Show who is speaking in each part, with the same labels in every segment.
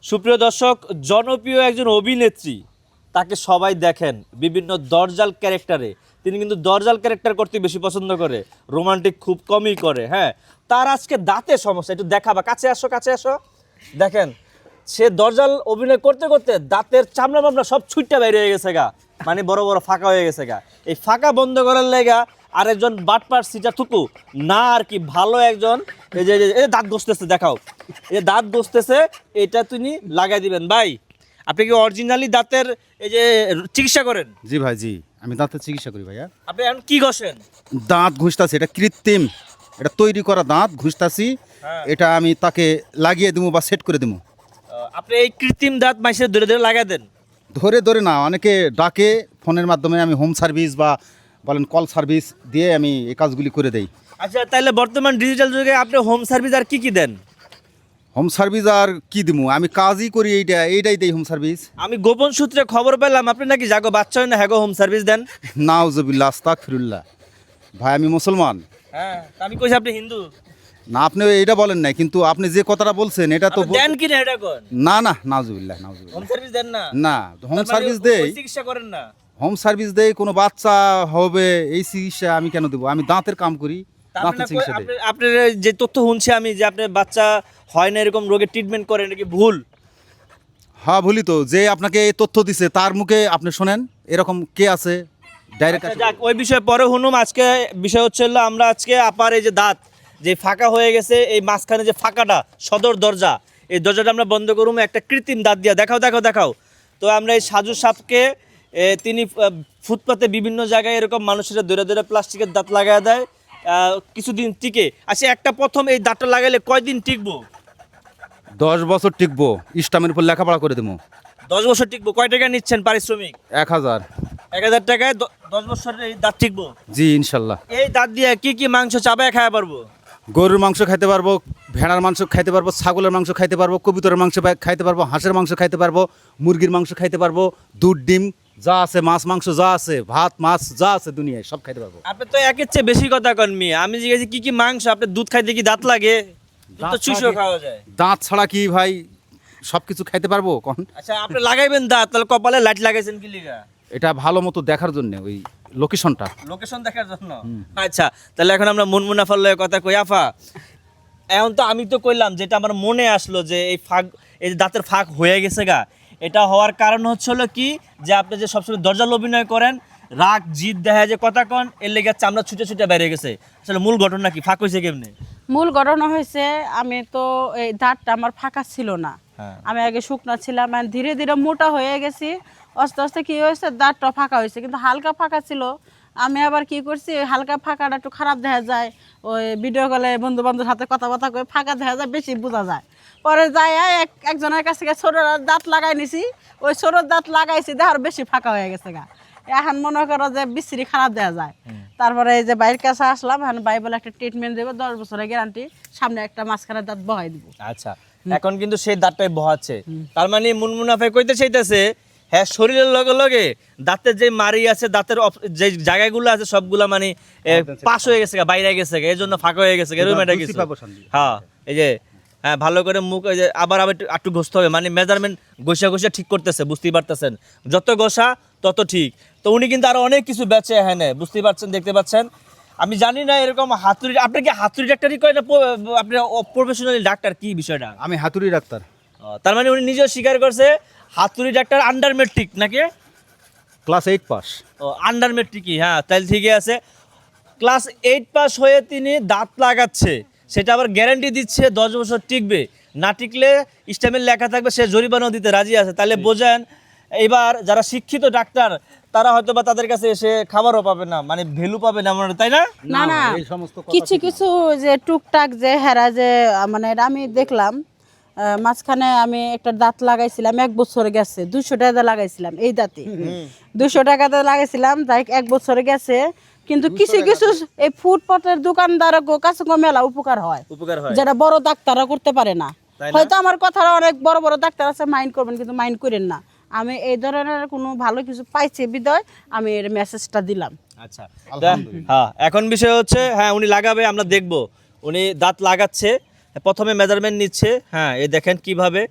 Speaker 1: সুপ্রিয় দর্শক, জনপ্রিয় একজন অভিনেত্রী, তাকে সবাই দেখেন বিভিন্ন দরজাল ক্যারেক্টারে। তিনি কিন্তু দরজাল ক্যারেক্টার করতে বেশি পছন্দ করে, রোমান্টিক খুব কমই করে। হ্যাঁ, তার আজকে দাঁতের সমস্যা, একটু দেখাবা, কাছে আসো কাছে আসো। দেখেন, সে দরজাল অভিনয় করতে করতে দাঁতের চামড়া মামলা সব ছুটটা বাইরে হয়ে গেছে গা, মানে বড় বড় ফাঁকা হয়ে গেছে গা। এই ফাঁকা বন্ধ করার লেগা আরেকজন বাটপার সিটার থুকু না আর কি ভালো একজন এই যে এই দাঁত ঘষতেছে, দেখাও, এই দাঁত ঘষতেছে, এটা তিনি লাগাই দিবেন। ভাই, আপনি কি অরিজিনালি দাঁতের এই যে চিকিৎসা করেন?
Speaker 2: জি ভাই, জি আমি দাঁতের চিকিৎসা করি ভাইয়া।
Speaker 1: আপনি এখন কি ঘষেন?
Speaker 2: দাঁত ঘুষতাছি, এটা কৃত্রিম, এটা তৈরি করা দাঁত ঘুষতাছি।
Speaker 1: হ্যাঁ।
Speaker 2: এটা আমি তাকে লাগিয়ে দেবো বা সেট করে দেবো।
Speaker 1: আপনি এই কৃত্রিম দাঁত মাইসে ধরে ধরে লাগাই দেন?
Speaker 2: ধরে ধরে না, অনেকে ডাকে ফোনের মাধ্যমে, আমি হোম সার্ভিস বা বলেন কল সার্ভিস দিয়ে আমি এই কাজগুলি করে দেই।
Speaker 1: আচ্ছা, তাহলে বর্তমান ডিজিটাল যুগে আপনি হোম সার্ভিস আর কি কি দেন?
Speaker 2: হোম সার্ভিস আর কি দিমু, আমি কাজই করি, এইটাই দেই হোম সার্ভিস।
Speaker 1: আমি গোপন সূত্রে খবর পেলাম আপনি নাকি জাগো বাচ্চা হয় না হ্যাগো হোম সার্ভিস দেন।
Speaker 2: নাউজুবিল্লাহ, আস্তাগফিরুল্লাহ। ভাই আমি মুসলমান।
Speaker 1: হ্যাঁ, আমি কইছি আপনি হিন্দু।
Speaker 2: না, আপনি এইটা বলেন নাই, কিন্তু আপনি যে কথাটা বলছেন এটা তো
Speaker 1: আপনি দেন কি না এটা কোন?
Speaker 2: না না, নাউজুবিল্লাহ নাউজুবিল্লাহ।
Speaker 1: হোম সার্ভিস দেন না?
Speaker 2: না, হোম
Speaker 1: তার মানে
Speaker 2: সার্ভিস
Speaker 1: ওই
Speaker 2: দেই।
Speaker 1: চিকিৎসা করেন না?
Speaker 2: হোম সার্ভিস দেই, কোনো বাচ্চা হবে এই চিকিৎসা আমি কেন দেবো? আমি দাঁতের কাম করি, দাঁতের চিকিৎসা দেই।
Speaker 1: আপনার যে তথ্য শুনছি আমি যে আপনার বাচ্চা হয় না এরকম রোগের ট্রিটমেন্ট করেন, এটা কি ভুল?
Speaker 2: হ্যাঁ ভুলি তো, যে আপনাকে এই তথ্য দিছে তার মুখে আপনি শোনেন, এরকম কে আছে ডাইরেক্ট।
Speaker 1: আচ্ছা, যাক, ওই বিষয়ে পরে শুনুম। আজকে বিষয় হচ্ছে হলো আমরা আজকে আপার এই যে দাঁত যে ফাঁকা হয়ে গেছে, এই মাঝখানে যে ফাঁকাটা সদর দরজা, এই দরজাটা আমরা বন্ধ করুম একটা কৃত্রিম দাঁত দিয়া। দেখাও দেখাও দেখাও। তো আমরা এই সাজু সাপকে তিনি ফুটপাতে বিভিন্ন জায়গায় এরকম মানুষেরা ধরে ধরে প্লাস্টিকের দাঁত লাগায় দেয়, কিছুদিন টিকে। আচ্ছা, একটা প্রথম এই দাঁতটা লাগাইলে কয়দিন টিকবো?
Speaker 2: 10 বছর টিকবো, ইস্টামের উপর লেখাপড়া করে দেবো।
Speaker 1: 10 বছর টিকবো। কয় টাকা নিচ্ছেন পারিশ্রমিক?
Speaker 2: 1000।
Speaker 1: 1000 টাকায় 10 বছর এই দাঁত টিকবো?
Speaker 2: জি ইনশাল্লাহ।
Speaker 1: এই দাঁত দিয়ে কি কি মাংস চাবায় খাওয়া পারবো?
Speaker 2: গরুর মাংস খাইতে পারবো, ভেড়ার মাংস খাইতে পারবো, ছাগলের মাংস খাইতে পারবো, কবুতরের মাংস খাইতে পারবো, হাঁসের মাংস খাইতে পারবো, মুরগির মাংস খাইতে পারবো, দুধ ডিম যা আছে, মাছ মাংস যা আছে, ভাত মাছ যা আছে দুনিয়ায় সব খাইতে পারবো।
Speaker 1: আপনি তো একের চেয়ে বেশি কথা কন মিয়া। আমি জিজ্ঞেস কি কি মাংস, আপনি দুধ খাইতে কি দাঁত লাগে? দুধ তো চুষো খাওয়া যায়।
Speaker 2: দাঁত ছাড়া কি ভাই সব কিছু খাইতে পারবো কখন?
Speaker 1: আচ্ছা, আপনি লাগাইবেন দাঁত, তাহলে কপালে লাইট লাগাইছেন কি লিগা?
Speaker 2: এটা ভালো মতো দেখার জন্য, ওই লোকেশনটা।
Speaker 1: লোকেশন দেখার জন্য? আচ্ছা, তাহলে এখন আমরা মন মুনাফার লয়ে কথা কই। আফা, এখন তো আমি তো কইলাম যেটা আমার মনে আসলো যে এই ফাঁক, এই যে দাঁতের ফাঁক হয়ে গেছে গা, এটা হওয়ার কারণ হচ্ছে হলো কি, যে আপনি যে সবসময় দরজাল অভিনয় করেন, রাগ জিদ দেখা যায় কথা কন, এর লেগে চামড়া ছুটে ছুটে বেরিয়ে গেছে। আসলে মূল ঘটনা কি, ফাঁক হয়েছে কেমনে?
Speaker 3: মূল ঘটনা হয়েছে, আমি তো এই দাঁতটা আমার ফাঁকা ছিল না।
Speaker 1: হ্যাঁ।
Speaker 3: আমি আগে শুকনা ছিলাম, আর ধীরে ধীরে মোটা হয়ে গেছি। আস্তে আস্তে কি হয়েছে, দাঁতটা ফাঁকা হয়েছে, কিন্তু হালকা ফাঁকা ছিল। আমি আবার কি করছি, ওই হালকা ফাঁকাটা একটু খারাপ দেখা যায়, ওই ভিডিও কলে বন্ধু বান্ধবের সাথে কথাবার্তা করে ফাঁকা দেখা যায়, বেশি বোঝা যায়। পরে যাই একজনের কাছ থেকে ছোট দাঁত লাগাই নিছি, ওই ছোট দাঁত লাগাইছি, দেখার বেশি ফাঁকা হয়ে গেছে গা। এখন মনে করো যে বিশ্রী খারাপ দেওয়া যায়। তারপরে এই যে বাইরের কাছে আসলাম, এখন ভাই বলে একটা ট্রিটমেন্ট দেবো, 10 বছরের গ্যারান্টি, সামনে একটা মাঝখানে দাঁত বহাই দিব।
Speaker 1: আচ্ছা, এখন কিন্তু সেই দাঁতটাই বহাচ্ছে। তার মানে মুনমুনাফে কইতে চাইতেছে, হ্যাঁ, শরীরের লগে লগে দাঁতের যে মারি আছে, দাঁতের যে জায়গাগুলো আছে সবগুলা মানে পাশ হয়ে গেছে, বাইরে গেছে, এই জন্য ফাঁকা হয়ে গেছে। এরকম একটা কিছু। হ্যাঁ, এই যে হ্যাঁ, ভালো করে মুখ এই যে আবার আবার একটু ঘষতে হবে, মানে মেজারমেন্ট ঘষা ঘষা ঠিক করতেছে, বুঝতেই পারতেছেন। যত ঘষা তত ঠিক। তো উনি কিন্তু আরো অনেক কিছু বেচে, হ্যাঁ, বুঝতেই পারছেন, দেখতে পাচ্ছেন। আমি জানি না এরকম হাতুড়ি, আপনি কি হাতুড়ি ডাক্তারই করেন না আপনি প্রফেশনালি ডাক্তার, কি বিষয়টা?
Speaker 2: আমি হাতুড়ি ডাক্তার।
Speaker 1: তার মানে উনি নিজেও স্বীকার করছে হাতুড়ি ডাক্তার আন্ডার মেট্রিক নাকি?
Speaker 2: Class 8 pass.
Speaker 1: ও, আন্ডার মেট্রিকই, হ্যাঁ, তাহলে ঠিকই আছে। ক্লাস 8 পাস হয়ে তিনি দাঁত লাগাচ্ছে, সেটা আবার গ্যারান্টি দিচ্ছে 10 বছর টিকবে। না টিকলে স্ট্যাম্পের লেখা থাকবে, সে জরিমানাও দিতে রাজি আছে। তাহলে বোঝেন, এবার যারা শিক্ষিত ডাক্তার তারা হয়তো বা তাদের কাছে এসে খাবারও পাবে না, মানে ভ্যালু পাবে না, মানে তাই না?
Speaker 3: না না,
Speaker 2: এই সমস্ত কথা
Speaker 3: কিছু কিছু যে টুকটাক যে হেরা যে মানে এটা আমি দেখলাম। মাঝখানে আমি একটা দাঁত লাগাইছিলাম, 1 বছর গেছে, 200 টাকা দিয়ে লাগাইছিলাম এই দাঁতে। 200 টাকাতে লাগাইছিলাম, যাই 1 বছর গেছে। কিন্তু কিছু কিছু এই ফুটপাতের দোকানদার কাছে মেলা উপকার হয়,
Speaker 1: উপকার হয়,
Speaker 3: যেটা বড় ডাক্তাররা করতে পারে না।
Speaker 1: তাই না?
Speaker 3: হয়তো আমার কথাটা অনেক বড় বড় ডাক্তার আছে, মাইন্ড করবেন, কিন্তু মাইন্ড করেন না। আমি এই ধরনের কোনো ভালো কিছু পাইছি বিদয় আমি এর মেসেজটা দিলাম।
Speaker 1: আচ্ছা, হ্যাঁ, এখন বিষয় হচ্ছে, হ্যাঁ, উনি লাগাবে, আমরা দেখব। উনি দাঁত লাগাচ্ছে, প্রথমে মেজারমেন্ট নিচ্ছে। হ্যাঁ, এই দেখেন কিভাবে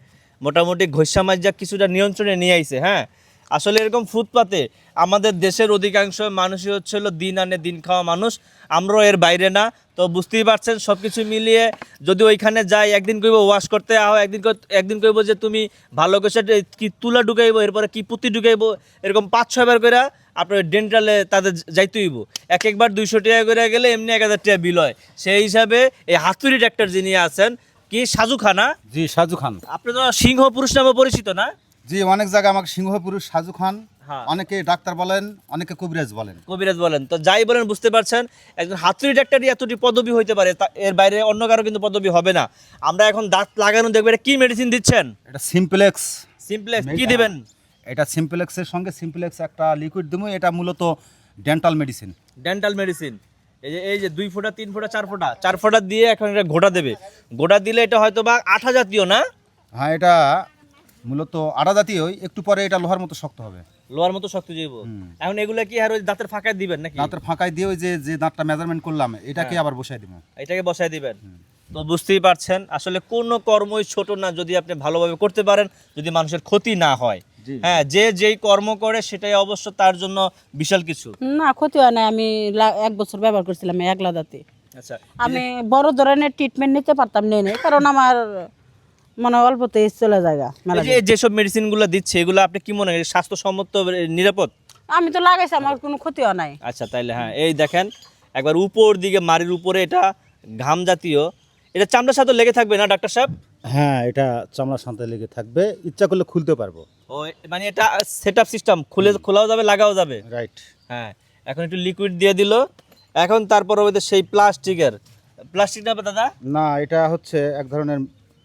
Speaker 1: মোটামুটি ঘষা মাজা কিছুটা নিয়ন্ত্রণে নিয়ে আইছে। হ্যাঁ, আসলে এরকম ফুটপাতে আমাদের দেশের অধিকাংশ মানুষই হচ্ছে হলো দিন আনে দিন খাওয়া মানুষ, আমরাও এর বাইরে না। তো বুঝতেই পারছেন সব কিছু মিলিয়ে যদি ওইখানে যাই, একদিন কইব ওয়াশ করতে আও, একদিন কইব যে তুমি ভালো করে কি তুলা ঢুকাইবো, এরপরে কি পুঁতি ঢুকাইবো, এরকম 5-6 বার করে আপনার ডেন্টালে তাদের যাইতে হইব। একবার 200 টাকা করে গেলে এমনি 1000 টাকা বিল হয়। সেই হিসাবে এই হাতুড়ি ডাক্তার যিনি আছেন, কি সাজু খানা,
Speaker 2: জি সাজু খান।
Speaker 1: আপনি তো সিংহ পুরুষ নামে পরিচিত না?
Speaker 2: জি, অনেক জায়গায় আমাকে সিংহ পুরুষ সাজু খান,
Speaker 1: হ্যাঁ।
Speaker 2: অনেকে ডাক্তার বলেন, অনেকে কবিরাজ বলেন।
Speaker 1: কবিরাজ বলেন, তো যাই বলেন বুঝতে পারছেন একজন হাতুড়ি ডাক্তারই এতটি পদবি হইতে পারে, এর বাইরে অন্য কারো কিন্তু পদবি হবে না। আমরা এখন দাঁত লাগানো দেখবো, এটা কি মেডিসিন দিচ্ছেন?
Speaker 2: এটা সিম্পলেক্স।
Speaker 1: সিম্পলেক্স কি দিবেন?
Speaker 2: এটা সিম্পলেক্সের সঙ্গে সিম্পলেক্স একটা লিকুইড দেবো। এটা মূলত ডেন্টাল মেডিসিন।
Speaker 1: Dental medicine. এই যে 2 ফোঁটা 3 ফোঁটা 4 ফোঁটা দিয়ে এখন এটা গোটা দেবে। গোটা দিলে এটা হয়তো বা আঠা জাতীয় না?
Speaker 2: হ্যাঁ, এটা মূলত আড়া জাতীয়ই, একটু পরে এটা লোহার মতো শক্ত হবে।
Speaker 1: লোহার মতো শক্ত যাইব। এখন এগুলা কি আর ওই দাঁতের ফাঁকায় দিবেন নাকি?
Speaker 2: দাঁতের ফাঁকায় দিয়ে ওই যে দাঁতটা মেজারমেন্ট করলাম এটাকে আবার বসাই দিব।
Speaker 1: এটাকে বসায় দিবেন। তো বুঝতেই পারছেন আসলে কোনো কর্মই ছোট না যদি আপনি ভালোভাবে করতে পারেন, যদি মানুষের ক্ষতি না হয়।
Speaker 2: জি।
Speaker 1: হ্যাঁ, যে যেই কর্ম করে সেটাই অবশ্য তার জন্য বিশাল কিছু।
Speaker 3: না, ক্ষতি হয় না। আমি 1 বছর ব্যবহার করছিলাম একলা দাঁতে।
Speaker 1: আচ্ছা,
Speaker 3: আমি বড় ধরনের ট্রিটমেন্ট নিতে পারতাম নেই, কারণ আমার মনে হয় অল্পতেই চলে জায়গা মেলা
Speaker 1: এই যে যেসব মেডিসিনগুলো দিচ্ছে এগুলো আপনি কি মনে করেন স্বাস্থ্যসম্মত, নিরাপদ?
Speaker 3: আমি তো লাগাইছি, আমার কোনো ক্ষতি হয় নাই।
Speaker 1: আচ্ছা, তাইলে হ্যাঁ, এই দেখেন একবার উপর দিকে মাড়ির উপরে এটা ঘাম জাতীয়, এটা চামড়ার সাথে লেগে থাকবে না ডাক্তার সাহেব?
Speaker 2: হ্যাঁ, এটা চামড়ার সাথে লেগে থাকবে, ইচ্ছা করলে খুলতে পারবো।
Speaker 1: ও মানে এটা সেটআপ সিস্টেম, খোলাও যাবে লাগাও যাবে।
Speaker 2: রাইট।
Speaker 1: হ্যাঁ, এখন একটু লিকুইড দিয়ে দিল। এখন তারপর ওই সেই প্লাস্টিক না দাদা?
Speaker 2: না, এটা হচ্ছে এক ধরনের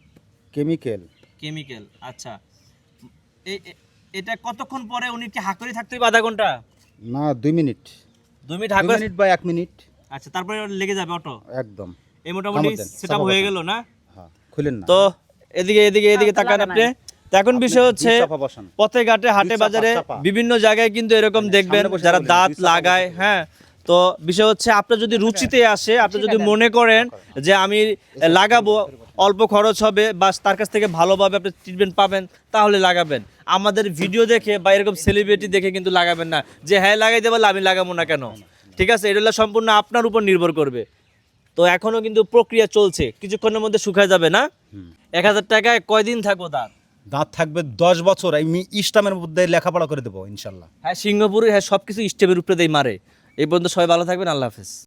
Speaker 1: কেমিক্যাল। আচ্ছা, এটা কতক্ষণ পরে উনি কি হাঁকড়ে থাকতে হবে? আধা ঘন্টা
Speaker 2: না, 2 মিনিট।
Speaker 1: 2 মিনিট
Speaker 2: 2
Speaker 1: হাঁকড়ে।
Speaker 2: মিনিট বা 1 মিনিট।
Speaker 1: আচ্ছা, তারপরে লেগে যাবে অটো
Speaker 2: একদম।
Speaker 1: এই মোটামুটি
Speaker 2: কামড় দেন,
Speaker 1: সেটআপ
Speaker 2: চাপা
Speaker 1: হয়ে
Speaker 2: বসান।
Speaker 1: গেল না?
Speaker 2: হ্যাঁ, খুলেন না।
Speaker 1: তো এদিকে তাকান আপনি। তো এখন বিষয় হচ্ছে
Speaker 2: চাপা বসান।
Speaker 1: পথে ঘাটে হাটে
Speaker 2: চাপা,
Speaker 1: বাজারে
Speaker 2: চাপা।
Speaker 1: বিভিন্ন জায়গায় কিন্তু এরকম দেখবেন
Speaker 2: সামনে বসে
Speaker 1: যারা
Speaker 2: বলেন,
Speaker 1: দাঁত
Speaker 2: দুই চাপা
Speaker 1: লাগায়।
Speaker 2: বসে।
Speaker 1: হ্যাঁ, তো বিষয় হচ্ছে আপনার যদি রুচিতে আসে, আপনি যদি মনে করেন যে আমি লাগাবো, অল্প খরচ হবে বা তার কাছ থেকে ভালোভাবে আপনি ট্রিটমেন্ট পাবেন, তাহলে লাগাবেন। আমাদের ভিডিও দেখে বা এরকম সেলিব্রিটি দেখে কিন্তু লাগাবেন না যে হ্যাঁ লাগাইতে পারলে আমি লাগাবো না কেন। ঠিক আছে, এটা হলো সম্পূর্ণ আপনার উপর নির্ভর করবে। তো এখনো কিন্তু প্রক্রিয়া চলছে, কিছুক্ষণের মধ্যে শুকায় যাবে না? 1000 টাকায় কয়দিন থাকবো দাঁত?
Speaker 2: দাঁত থাকবে 10 বছর। আমি ইসলামের মধ্যে লেখাপড়া করে দেবো ইনশাল্লাহ।
Speaker 1: হ্যাঁ, সিঙ্গাপুরে হ্যাঁ সবকিছু স্টেপের উপরে দিয়ে মারে। এই পর্যন্ত সবাই ভালো থাকবেন, আল্লাহ হাফেজ।